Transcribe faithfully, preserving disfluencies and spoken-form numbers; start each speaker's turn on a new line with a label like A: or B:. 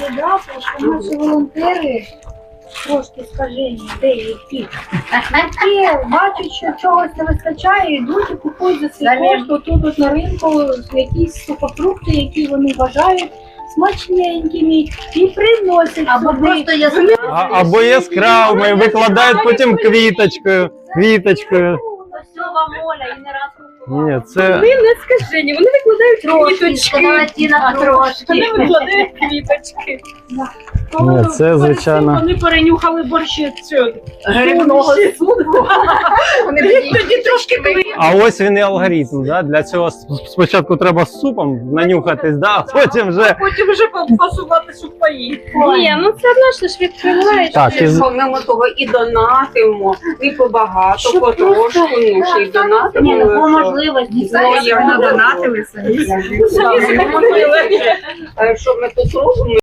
A: додати, що наші волонтери трошки скажені, деякі, які бачать, що чогось не вистачає, йдуть і купують за свій кошт тут от на ринку якісь сухофрукти, які вони вважають смачненькими, і приносять
B: Або
A: сюди.
B: просто яскраві.
C: А, або яскравими, викладають потім квіточкою. Квіточкою.
B: Ось вам Оля і не раз
C: Ні, це
D: Вони не скажені, вони викладають
B: трошки,
D: квіточки.
B: сказала Тіна, трошки.
D: Вони викладають квіточки.
C: Ні, це, звичайно.
D: Вони перенюхали борщі цього
B: Грибного
D: супу. Вони тоді трошки квіточки.
C: А ось він і алгоритм. Да? Для цього спочатку треба з супом нанюхатись, да? А потім вже.
D: Потім вже фасувати сухпаї.
A: Ні, ну це одно ж відкриваєш.
C: Так, і... з-
E: Помимо того і донатимо, і побагато,
A: Щоб
E: потрошку,
A: просто-
E: ну, ще й донатимо.
B: Ні, ну по
E: що-
B: можливості.
E: Ну, я надонатили самі.
D: Самі зробили.
E: Що ми тут робимо?